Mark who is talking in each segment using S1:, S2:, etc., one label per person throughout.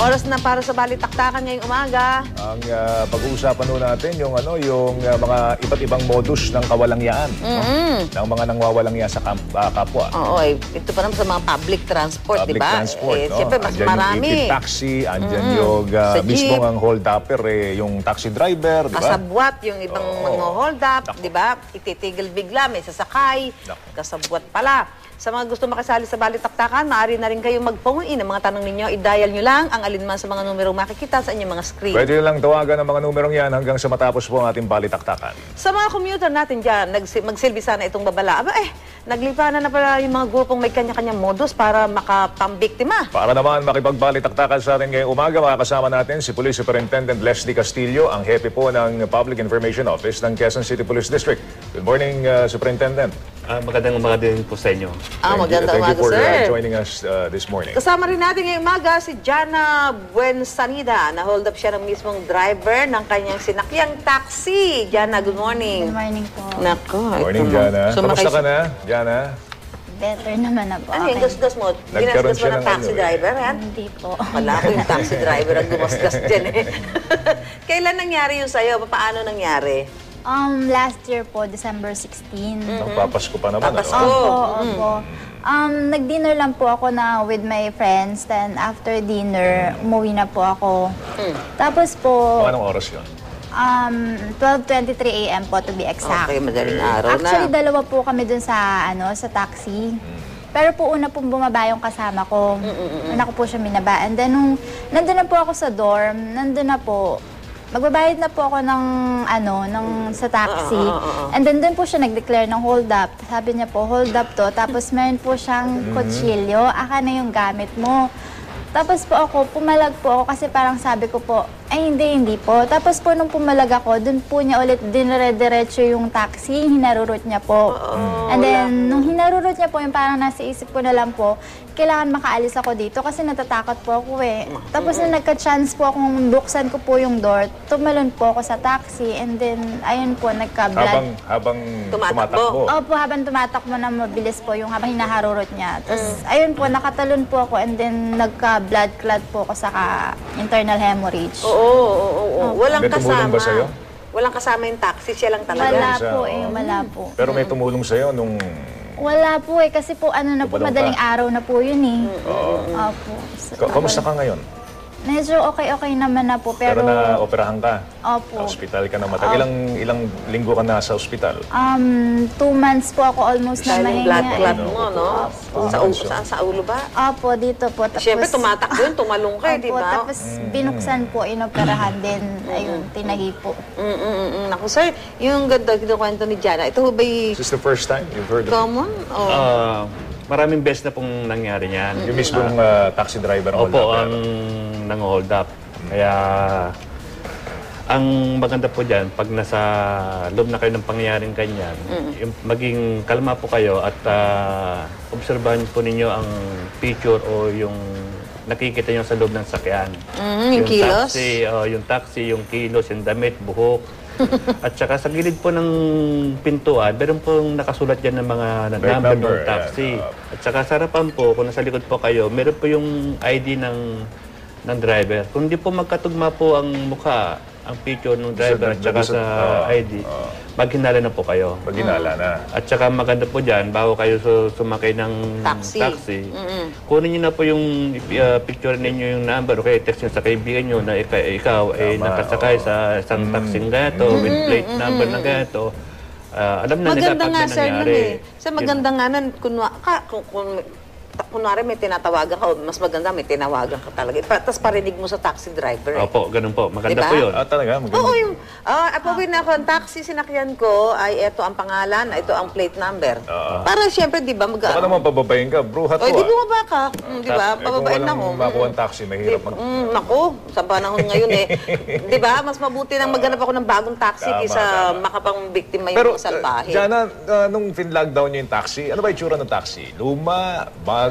S1: Oras na para sa balitaktakan ngayong umaga.
S2: Ang pag-uusapan nun natin yung mga iba't ibang modus ng kawalangyaan, ng mga nangwawalangyaan sa kapwa.
S1: Oo, ito pa naman sa mga public transport, di ba? Siyempre, mas
S2: andyan
S1: marami.
S2: Yung taxi, andyan yung mismong ang hold-upper, yung taxi driver, di ba?
S1: Kasabwat, yung ibang mga hold-up, di ba? Ititigil bigla, may sasakay. Kasabwat pala. Sa mga gusto makisali sa balitaktakan, maaari na rin kayong mag-phone in. Ang mga tanong ninyo, i-dial nyo lang ang alinman sa mga numerong makikita sa inyong mga screen.
S2: Pwede lang tawagan ang mga numerong yan hanggang sa matapos po ang ating balitaktakan.
S1: Sa mga commuter natin dyan, magsilbi sana itong babala. Aba naglipanan na pala yung mga grupong may kanya-kanyang modus para makapambiktima.
S2: Para naman makipagbalitaktakan sa atin ngayong umaga, makakasama natin si Police Superintendent Leslie Castillo, ang hepe po ng Public Information Office ng Quezon City Police District. Good morning, Superintendent.
S3: Magandang umaga din po sa inyo.
S1: Magandang umaga, sir.
S2: Thank you for joining us this morning.
S1: Kasama rin natin ngayong umaga si Jana Buensanida. Na-hold up siya ng mismong driver ng kanyang sinakyang taxi. Jana, good morning.
S4: Good morning po.
S1: Nako,
S2: Good morning, Jana. Kamusta ka na, Jana?
S4: Better naman na po.
S1: Ano yung gasgas mo?
S2: Nagkaroon
S1: Ginasgas mo
S2: siya
S1: ng
S2: ng
S1: taxi driver, yan?
S4: Hindi po.
S1: Wala ko yung taxi driver ang gumasgas dyan eh. Kailan nangyari yun sa'yo? Paano nangyari?
S4: Last year po, December 16.
S2: Papasko pa naman.
S1: Papasko.
S4: Opo. Nag-dinner lang po ako na with my friends. Then after dinner, umuwi na po ako. Tapos po,
S2: Anong oras yun?
S4: 12:23 a.m. po to be exact.
S1: Okay, madaling araw na.
S4: Actually, dalawa po kami dun sa taxi. Pero po una pong bumaba yung kasama ko. Una ko po siya minaba. And then nung nandun na po ako sa dorm, nandun na po, magbabayad na po ako sa taxi. And then doon po siya nag-declare ng hold up. Sabi niya po, hold up to. Tapos meron po siyang kutsilyo. Aka na yung gamit mo. Tapos po ako, pumalag po ako kasi parang sabi ko po, ay hindi po. Tapos po nung pumalag ako, doon po niya ulit dinire-diretso yung taxi, hinarurot niya po. And then, nung hinarurot niya po, yung parang nasa isip ko na lang po, kailangan makaalis ako dito kasi natatakot po ako eh. Tapos nung nagka-chance po akong buksan ko po yung door, tumalon po ako sa taxi and then, ayun po, nagka-blood.
S2: Habang tumatakbo?
S4: Opo, habang tumatakbo na mabilis po yung habang hinaharurot niya. Tapos, ayun po, nakatalon po ako and then nagka-blood clot po ako sa internal hemorrhage.
S1: Oo. Walang
S2: May tumulong
S1: kasama.
S2: ba sa'yo?
S1: Walang kasama yung taxi, siya lang talaga.
S4: Wala po wala po.
S2: Pero may tumulong sa'yo nung...
S4: Wala po kasi po madaling araw na po yun eh. Opo.
S2: Kamusta ka ngayon?
S4: Medyo okay naman na po, pero
S2: na-operahan ka?
S4: Opo.
S2: Hospital ka na matagal. Ilang linggo ka na sa ospital?
S4: 2 months po ako almost na
S1: Dahil yung
S4: mahinga.
S1: blood clot mo, no? Sa ulo ba?
S4: Opo, dito po. Tapos,
S1: Siyempre, tumatakbo yun, tumalong ka, di ba?
S4: Tapos binuksan po, inoperahan din. Ayun, tinahi po.
S1: Naku, sir, yung ganda kinukwento ni Jana, ito ba
S2: Is this the first time you've heard of it?
S1: common?
S3: Maraming beses na pong nangyari niyan.
S2: Yung mismong taxi driver ang
S3: Opo, ang nang-hold up. Kaya, ang maganda po dyan, pag nasa loob na kayo ng pangyayaring ganyan, maging kalma po kayo at obserbahan po ninyo ang picture o yung nakikita nyo sa loob ng sakyan.
S1: Yung kilos?
S3: Yung taxi, yung kilos, yung damit, buhok. At saka sa gilid po ng pintuan, meron pong nakasulat dyan ng mga number ng taxi. At saka sa harapan po, kung nasa likod po kayo, meron po yung ID ng driver. Kung di po magkatugma po ang mukha, ang picture ng driver at saka sa ID, maghinala na po kayo.
S2: Maghinala na.
S3: At saka maganda po dyan, bago kayo sumakay ng taxi, kunin nyo na po yung picture ninyo yung number o kaya text nyo sa kaibigan nyo na ikaw ay nakasakay sa isang taxing gato with plate number na gato. Alam na nila
S1: Maganda
S3: pag
S1: nga,
S3: may
S1: sir,
S3: nangyari.
S1: Sa maganda nga nun, kunwari may tinatawagan ka, mas maganda may tinawagan ka talaga. Tapos parinig mo sa taxi driver.
S3: Opo, ganun po. Maganda
S1: Diba?
S3: po yun.
S2: Talaga? Maganda.
S1: Oo, yung apawin ako, ang taxi sinakyan ko ay ito ang pangalan, ito ang plate number. Para siyempre, di ba,
S2: Baka naman pababayin ka, bruhat
S1: Oy,
S2: ko
S1: di bumaba ka. Di ba?
S2: Kung
S1: Pababain na
S2: walang
S1: ako.
S2: makuha ang taxi, mahirap
S1: Naku, sa panahon ngayon eh. Di ba? Mas mabuti nang maghanap ako ng bagong taxi kaysa makapang-biktima yung
S2: Pero,
S1: mga salbahe.
S2: Jana, nung fin-lockdown niyo yung taxi, ano ba itsura ng taxi? Luma, bago,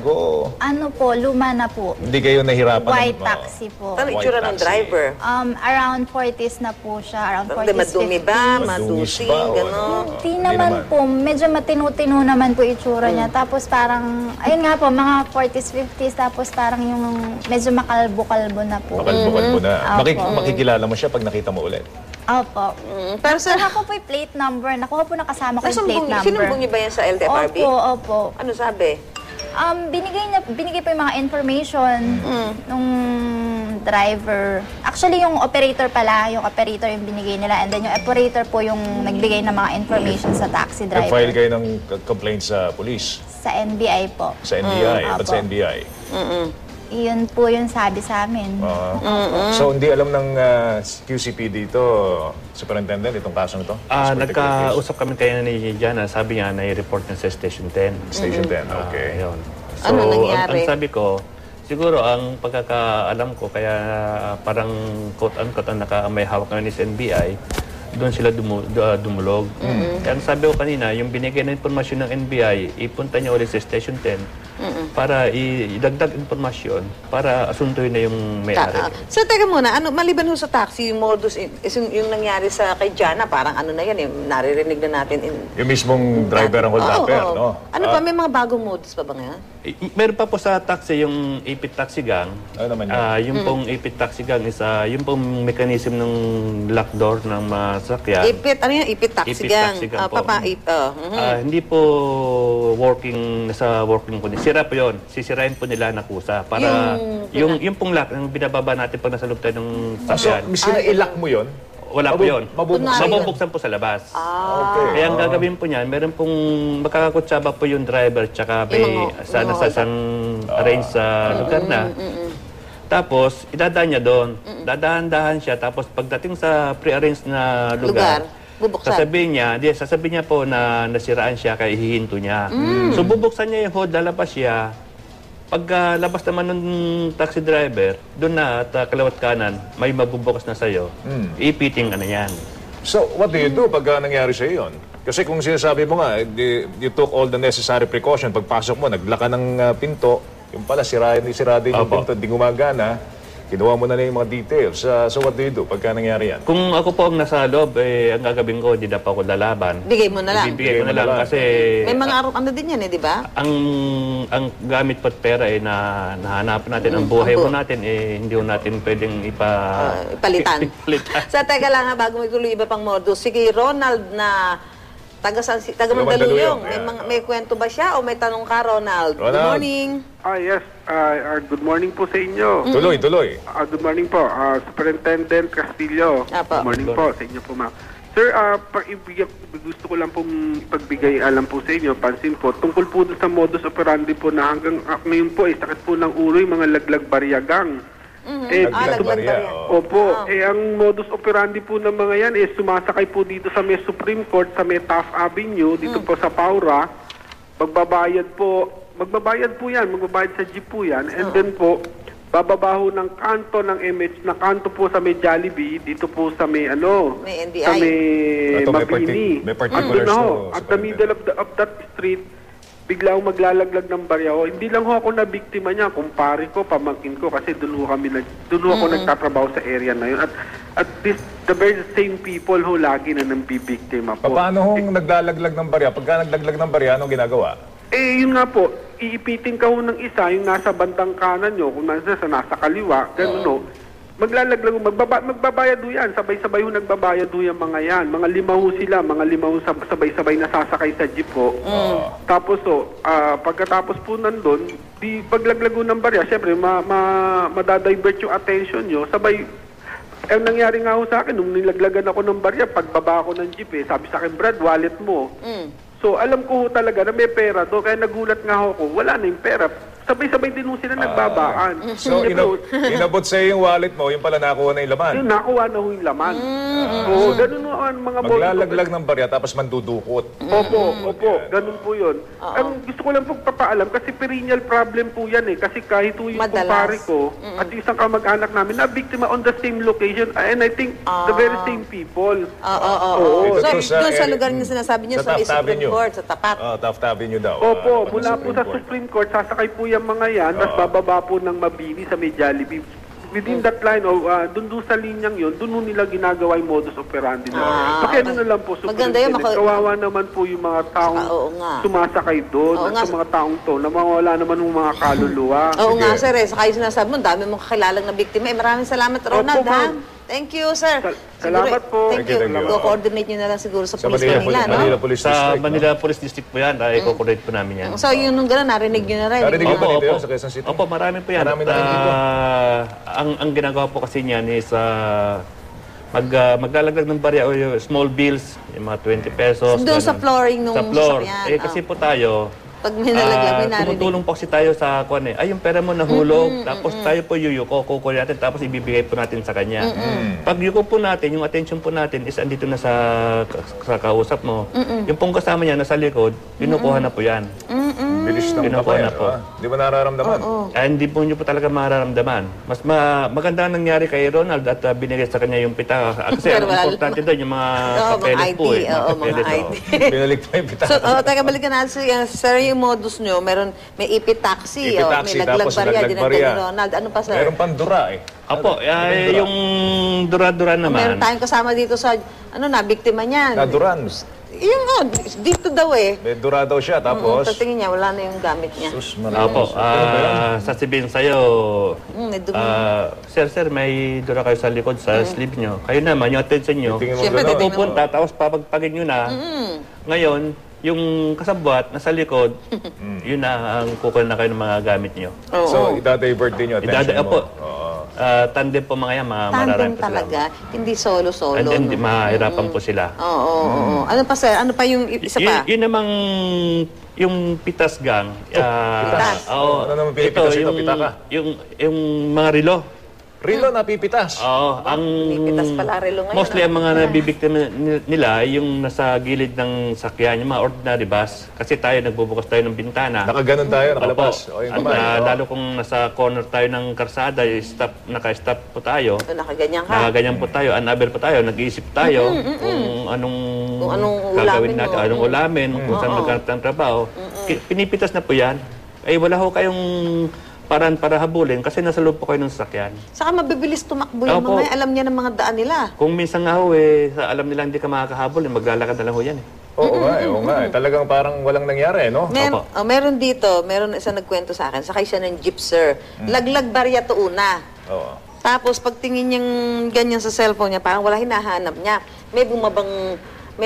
S2: bago?
S4: Ano po, luma na po.
S2: Hindi kayo nahirapan?
S4: White taxi po.
S1: Ano
S2: White
S1: itsura ng
S2: taxi.
S1: driver?
S4: Around 40s na po siya. Around 40s,
S1: Madumi
S4: 50s.
S1: ba?
S2: Madungis
S1: Madusing?
S2: ba? O
S1: Gano'n?
S2: ano?
S4: Hindi naman po. Medyo matinu-tinu naman po itsura niya. Tapos parang, ayun nga po, mga 40s, 50s. Tapos parang yung medyo makalbo-kalbo na po.
S2: Makalbo-kalbo na.
S4: Opo.
S2: Makikilala mo siya pag nakita mo ulit.
S4: Opo.
S1: Pero sa...
S4: Nakuha po yung plate number. Nakuha po nakasama ko yung plate number.
S1: Sinumbong niyo ba yan sa LTFRB?
S4: Opo.
S1: Ano sabi?
S4: Binigay po yung mga information nung driver. Actually, yung operator pala, yung operator yung binigay nila. And then yung operator po yung nagbigay ng mga information sa taxi driver.
S2: Nag-file kayo ng complaint sa police?
S4: Sa NBI po.
S2: Sa NBI? Ba't
S4: Opo.
S2: sa NBI?
S4: Iyon po yung sabi sa amin.
S2: So, hindi alam ng QCP dito, Superintendent, itong kasong ito?
S3: Nagkausap kami kayo ni Jana. Sabi niya, nai-report niya sa Station 10.
S2: Station 10, okay.
S3: Ayun. So,
S1: Ano nangyari?
S3: ang sabi ko, siguro ang pagkakaalam ko, kaya parang quote-unquote ang may hawak ngayon is NBI, doon sila dumulog. Kaya ang sabi ko kanina, yung binigay na informasyon ng NBI, ipunta niya ulit sa Station 10 para idagdag informasyon para asuntuin na yung may-ari.
S1: So, teka muna, maliban ho sa taxi, yung modus, yung nangyari sa kay Jana, parang ano na yan, naririnig na natin.
S2: Yung mismong driver ang hold-upper, no?
S1: Ano pa, may mga bagong modus pa ba ngayon?
S3: Meron pa po sa taxi yung Ipit Taxi Gang.
S2: Ano naman yun?
S3: Yung pong Ipit Taxi Gang is yung pong mechanism ng lock door ng mga sasakyan.
S1: Ano yan? Ipit Taxi
S3: Ipit
S1: Gang.
S3: Taxi Gang po. Hindi po nasa working po. Sira po yun. Sisirain po nila na kusa. Para yung pong lock, yung binababa natin pag nasa loob tayo ng
S2: So,
S3: sasakyan.
S2: sina-ilock mo yun?
S3: Wala po yun.
S2: Mabubuksan.
S3: Mabubuksan po sa labas.
S2: Okay.
S3: Kaya ang gagawin po niyan, meron pong makakakutsaba po yung driver tsaka may sana sa isang arrange sa lugar na. Tapos, idadaan niya doon. Dadahan-dahan siya. Tapos, pagdating sa pre-arranged na lugar,
S1: bubuksan.
S3: sasabihin niya po na nasiraan siya kaya hihinto niya. So, bubuksan niya yung hold, lalabas siya. Pagkalabas naman ng taxi driver, doon na at kalawat kanan, may mabubukas na sa'yo. Ipiting ka na yan.
S2: So, what do you do pag nangyari sa yun? Kasi kung sinasabi mo nga, you took all the necessary precaution. Pagpasok mo, naglaka ng pinto, yung pala, sirado yung pinto, hindi gumagana. Kinuha mo na yung mga details. So what do you do pagka nangyari yan?
S3: Kung ako po ang nasa loob, ang gagawin ko, hindi na pa ako lalaban.
S1: Bigay mo na lang.
S3: Ibibigay ko na lang kasi
S1: May mga ano din yan di ba?
S3: ang gamit pat pera na nahanapan natin, ang buhay mo natin, hindi mo natin pwedeng
S1: Ipalitan. Sa teka lang bago magtuloy iba pang modus. Sige, Ronald na taga Mandaluyong. May kwento ba siya o may tanong ka, Ronald? Good morning.
S5: Yes. Good morning po sa inyo.
S2: Tuloy.
S5: Good morning po, Superintendent Castillo.
S1: Apo.
S5: Good morning po sa inyo po, ma'am. Sir, gusto ko lang pong ipagbigay alam po sa inyo, pansin po, tungkol po sa modus operandi po na hanggang ngayon po, sakit po ng ulo yung mga laglag baryagang.
S2: Laglag barya.
S5: Opo. Ang modus operandi po ng mga yan sumasakay po dito sa may Supreme Court, sa may Taft Avenue, dito po sa Paura. Magbabayad po yan, magbabayad sa jeep po yan. And then po, bababaho ng kanto ng MH, na kanto po sa may Jollibee, dito po sa may
S1: may NBI.
S5: sa may Mabini.
S2: May particulars to.
S5: At the middle of that street, bigla akong maglalaglag ng barya. Hindi lang ako na biktima niya, kumpare ko, pamangkin ko, kasi doon ako nagtatrabaho sa area na yun. At the very same people lagi na nang bibiktima po.
S2: Paano kung naglalaglag ng barya? Pagka naglaglag ng barya, anong ginagawa?
S5: Yun nga po, iipitin ka ng isa, yung nasa bandang kanan nyo, kung nasa kaliwa, gano'n maglalaglag, magbabayad yan, sabay-sabay nagbabayad yung mga yan. Mga 5 sila, mga 5 sabay-sabay nasasakay sa jeep po. Tapos pagkatapos po nandun, paglaglag ng barya, syempre madadivert yung attention nyo, sabay. Ang nangyari nga sa akin, nung nilaglagan ako ng barya, pagbaba ako ng jeep sabi sa akin, Brad, wallet mo. So, alam ko talaga na may pera to. Kaya nagulat nga ako, wala na yung pera. Sabay-sabay din nung sila nagbabaan.
S2: So, inabot sa'yo yung wallet mo, yung pala nakuha na yung laman.
S5: Yung nakuha na yung laman. Oo, ganun ang mga
S2: maglalaglag ng barya, tapos mandudukot.
S5: Opo, ganun po yun. Ang gusto ko lang pong papaalam, kasi perennial problem po yan Kasi kahit yung kumpare ko, at yung isang kamag-anak namin, na biktima on the same location, and I think the very same people.
S1: So, doon sa lugar niya sinasabi niya, sa Supreme Court, sa tapat.
S2: Taft Avenue daw.
S5: Opo, mula po sa Supreme Court, sasakay po yan yung mga yan, tapos bababa po ng Mabini sa may Jollibee. Within that line, dun sa linyang yun, dun nila ginagawa yung modus operandi nila. Pakiano na lang po,
S1: maganda yun,
S5: kawawa naman po yung mga taong sumasakay doon, at sa mga taong to, na mawala naman yung mga kaluluwa.
S1: Oo nga, sir. Saka yung sinasabi mo, dami mong kakilalang na biktima. Maraming salamat, Ronald, ha? Thank you, sir.
S5: Salamat po.
S1: Thank you. Go-coordinate nyo na lang siguro sa police Manila, no?
S2: Manila Police
S3: Sa
S2: District.
S3: Manila Police District po yan, i-coordinate po namin yan.
S1: So, yun nung gano'n, narinig nyo na rin.
S2: Narinig
S3: Opo,
S2: nyo ba dito
S3: opo.
S2: sa Quezon City?
S3: Opo, marami po yan.
S2: Marami na rin dito.
S3: Ang ginagawa po kasi niyan is maglalaglag ng barya o yung small bills, yung mga 20 pesos.
S1: Doon sa flooring nung
S3: sa floor.
S1: sasakyan.
S3: Kasi po tayo,
S1: pag may nalaglag, may narinig.
S3: tumutulong po kasi tayo sa kuwan ay yung pera mo nahulog, tapos tayo po yuyuko, kukuha natin, tapos ibibigay po natin sa kanya. Pag yuko po natin, yung attention po natin is andito na sa kausap mo. Yung pong kasama niya nasa likod, kinukuha na po yan.
S2: Bilis ng
S3: Kinukuha
S2: papel.
S3: na po.
S2: Di ba nararamdaman?
S3: Hindi po nyo po talaga mararamdaman. Mas maganda ang nangyari kay Ronald at binigay sa kanya yung pita. Kasi ang importante doon yung mga papeles po.
S1: Mga ID.
S2: Binalik pa yung pita.
S1: So, teka, balikan natin. Sir, yung modus nyo, may IP taxi,
S2: IP taxi,
S1: may
S2: tapos
S1: laglag barya,
S2: laglag
S1: dinagdag
S2: barya.
S1: ni Ronald. Ano pa, sir?
S2: Meron pang dura eh.
S3: Apo, yung dura-dura naman.
S1: Meron tayong kasama dito sa, biktima niyan.
S2: Naduran.
S1: Yung, dito daw eh.
S2: May dura daw siya, tapos...
S1: Tingin niya, wala na yung gamit niya.
S2: Sus, marami.
S3: Apo, sasabihin sa'yo,
S1: May dumi.
S3: sir, may dura kayo sa likod sa sleeve nyo. Kayo naman, yung attention nyo,
S2: Tingin mo
S1: Siyempre,
S2: gano'n.
S1: titingnan
S3: pupunta, tapos papagpagin nyo na. Ngayon, yung kasabwat nasa likod, yun na ang kukuha na kayo ng mga gamit nyo.
S2: So, idadivert din yung attention mo.
S3: Apo, tandem po mga yan,
S1: Tandem
S3: mararami po sila.
S1: talaga. Hindi solo-solo.
S3: And then, mahirapan po sila.
S1: Oo. Ano pa, sir? Ano pa yung isa pa?
S3: Yun namang yung pitas gang.
S1: pitas?
S2: Ano naman pinipitas ito? Pitaka?
S3: Yung mga relo.
S2: Rilo napipitas.
S3: Oo,
S1: Pipitas pala relo ngayon.
S3: mostly ang mga nabibiktima nila yung nasa gilid ng sakyan, yung mga ordinary bus. Kasi tayo, nagbubukas tayo ng bintana.
S2: Nakaganon tayo, nakalabas.
S3: Opo.
S2: O, yung
S3: At
S2: kamay,
S3: lalo kung nasa corner tayo ng karsada, naka-stop po tayo.
S1: Nakaganyan ka.
S3: Nakaganyan po tayo, unaware po tayo, nag-iisip tayo kung anong gagawin
S1: ulamin
S3: natin,
S1: mo.
S3: anong ulamin, kung saan maghanap ng trabaho. Pinipitas na po yan. Ay wala ho kayong paraan para habulin kasi nasa loob po kayo ng sasakyan.
S1: Saka mabibilis tumakbo yung
S3: Opo.
S1: mga alam niya ng mga daan nila.
S3: Kung minsan nga ho alam nila hindi ka makakahabol, maglalakad na lang ho yan eh.
S2: Oo nga. Talagang parang walang nangyari, no?
S1: Meron dito, meron isang nagkwento sa akin, sakay siya ng jeep, sir. Laglag barya to una.
S2: Oo.
S1: Tapos pagtingin niyang ganyan sa cellphone niya, parang wala hinahanap niya. May bumabang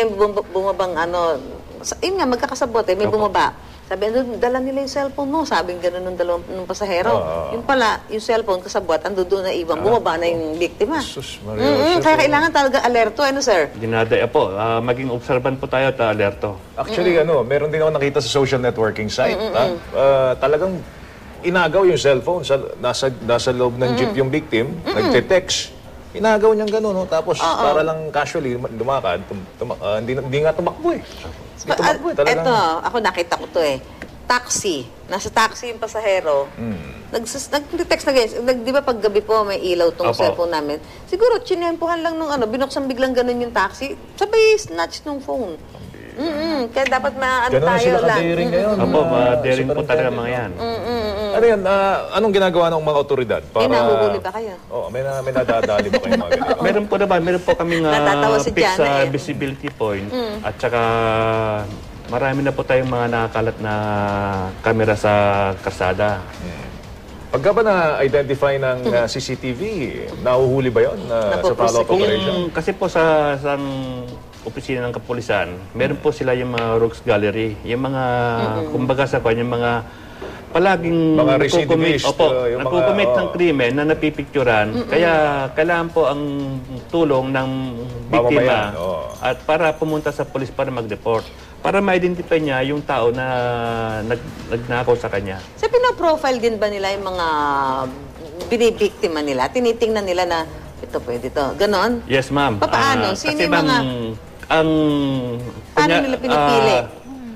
S1: yun nga, magkakasabot may bumaba. Sabi, dala nila yung cellphone mo. Sabi gano'n nung pasahero. Yung pala, yung cellphone kasabot, ando doon na iwan. Bumaba na yung biktima.
S2: Sus, Maria.
S1: Kaya kailangan talaga alerto. Ano, sir?
S3: Dinadaya po, maging observant po tayo at alerto.
S2: Actually, meron din ako nakita sa social networking site. Talagang inagaw yung cellphone. Nasa loob ng jeep yung victim. Nagte-text. Inagaw niyang gano'n, no? Tapos para lang casually lumakad, hindi nga tumakbo eh. Hindi tumakbo eh, talagang...
S1: Eto, ako nakita ko to eh. Taxi. Nasa taxi yung pasahero. Nag-text na ganyan. Di ba pag gabi po may ilaw tong cellphone namin? Siguro, chinempohan lang nung binuksan biglang ganun yung taxi. Sabay, snatch nung phone. Kaya dapat
S2: Ganun na
S1: tayo
S2: sila
S1: lang.
S2: ka-daring ngayon.
S3: Opo, daring po talaga mga yan.
S2: Ano yan? Anong ginagawa ng mga otoridad?
S1: Nahuhuli ba kayo?
S2: May nadadali ba kayo mga ganito?
S3: Meron po kaming
S1: Natatawa si
S3: fixed
S1: Jana
S3: visibility point. At saka marami na po tayong mga nakakalat na kamera sa karsada.
S2: Pagka ba na-identify ng CCTV, nahuhuli ba yun sa follow-up operation?
S3: Kasi po sa opisina ng kapulisan, meron po sila yung mga rogues gallery. Yung mga, kumbaga sa kanya, yung mga palaging
S2: Mga recidivist, yung
S3: nagkukumit
S2: mga,
S3: ng krimen na napipicturan. Kaya kailangan po ang tulong ng biktima
S2: Mamamayan,
S3: at para pumunta sa polis para mag-report. Para ma-identify niya yung tao na nagnakaw sa kanya.
S1: Sa pinaprofile din ba nila yung mga binibiktima nila? Tinitingnan nila na ito pwede to. Ganon?
S3: Yes, ma'am.
S1: Paano? Sino
S3: kasi
S1: yung mga...
S3: ang
S1: Paano nila pinipili?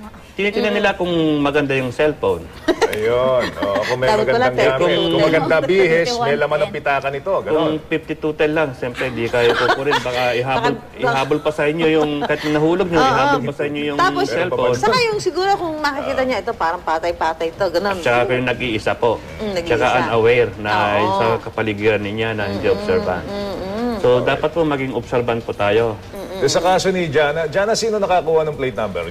S3: Tinitingnan nila kung maganda yung cellphone.
S2: Ayun. Oh, kung may
S1: Dapat pala,
S2: magandang gamit.
S1: 32.
S2: Kung maganda bihis, may laman ng pitaka nito.
S3: Kung
S2: Ganon.
S3: 5210 lang, siyempre di kayo kukurin. Baka ihabol pa sa inyo yung, kahit nahulog nyo, ihabol pa sa inyo yung
S1: Tapos,
S3: cellphone.
S1: saka yung siguro kung makikita niya, ito parang patay-patay to, ganun.
S3: Tsaka kayo nag-iisa po.
S1: Nag-iisa.
S3: Tsaka unaware na
S1: Oo.
S3: sa kapaligiran niya na hindi observant. So, dapat po maging observant po tayo.
S2: Sa kaso ni Jana, sino nakakuha ng plate number?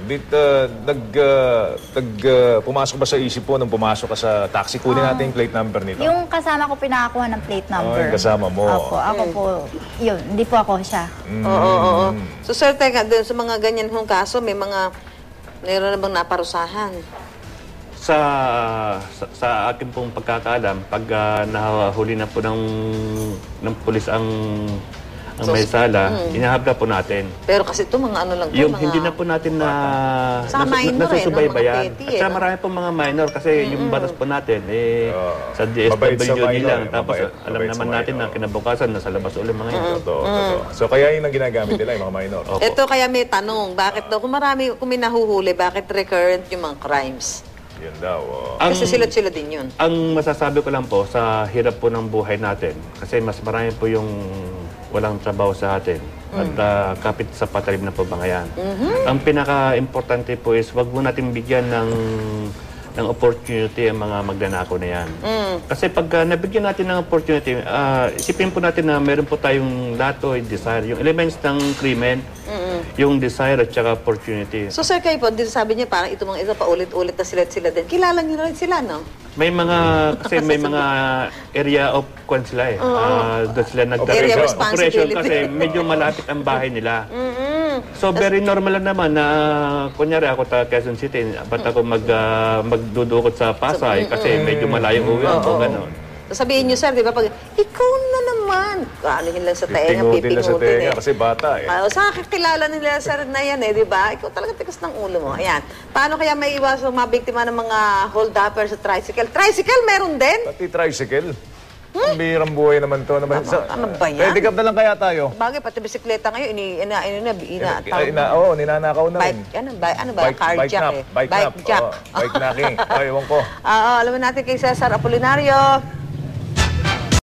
S2: Pumasok ba sa isip po nung pumasok ka sa taxi? Kunin natin yung plate number nito.
S4: Yung kasama ko pinakakuha ng plate number.
S2: yung kasama mo.
S4: Opo, ako po, yun, hindi po ako siya.
S1: Oo. So, sir, teka, dun sa mga ganyan hong kaso, meron na bang naparusahan?
S3: Sa akin pong pagkakaalam, pag nahuli na po ng pulis ang may sala, inahabla po natin.
S1: Pero kasi ito, mga ano lang to,
S3: Yung
S1: mga...
S3: hindi na po natin
S1: Sa minor
S3: nasusubaybayan.
S1: mga petty,
S3: At sa
S1: no?
S3: marami pong mga minor kasi yung batas po natin, sa
S2: Mabait sa
S3: DSWD
S2: minor,
S3: lang. Tapos alam
S2: mabait sa
S3: naman natin
S2: minor.
S3: na kinabukasan, nasa labas ulit mga yun.
S2: Totoo. So kaya yun ang ginagamit nila, yung mga minor.
S1: Ito kaya may tanong, bakit daw, kung may nahuhuli, bakit recurrent yung mga crimes?
S2: Yun daw.
S1: Kasi sila din yun.
S3: Ang masasabi ko lang po, sa hirap po ng buhay natin, kasi mas marami po yung walang trabaho sa atin at kapit sa patalim na po mga yan. Ang pinaka-importante po is wag mo natin bigyan ng opportunity ang mga magnanakaw na yan. Kasi pag nabigyan natin ng opportunity, isipin po natin na meron po tayong dato, desire, yung elements ng krimen, yung desire at saka opportunity.
S1: So, sir, kayo po, din sabi niya, parang ito mga ito, paulit-ulit na sila din. Kilala niyo na rin sila, no?
S3: May mga, kasi may mga area of kwan sila eh. Doon sila
S1: Area of
S3: operation
S1: responsibility.
S3: kasi medyo malapit ang bahay nila. So very normal lang naman na kunyari ako ta Quezon City, ba't ako magdudukot sa Pasay kasi medyo malayo uwi ako, gano'n.
S1: So, sabihin niyo, sir, di ba, pag, ikaw na naman, anuhin lang sa taenga,
S2: Pingutin na sa
S1: pipingutin
S2: tenga kasi bata eh.
S1: Sa kakilala nila, sir, na yan di ba? Ikaw talaga tikas ng ulo mo. Ayan. Paano kaya may iwasan mabiktima ng mga hold-upper sa tricycle? Tricycle, meron din?
S2: Pati tricycle. Ang birang buhay naman to.
S1: Ano ba yan?
S2: Pwede up na lang kaya tayo.
S1: Bagay, pati bisikleta ngayon,
S2: Ninanakaw na rin.
S1: ano ba? Carjack eh.
S2: Bike nap.
S1: jack.
S2: Bike knocking. Ay, ewan ko.
S1: Alam natin kay Cesar Apolinario.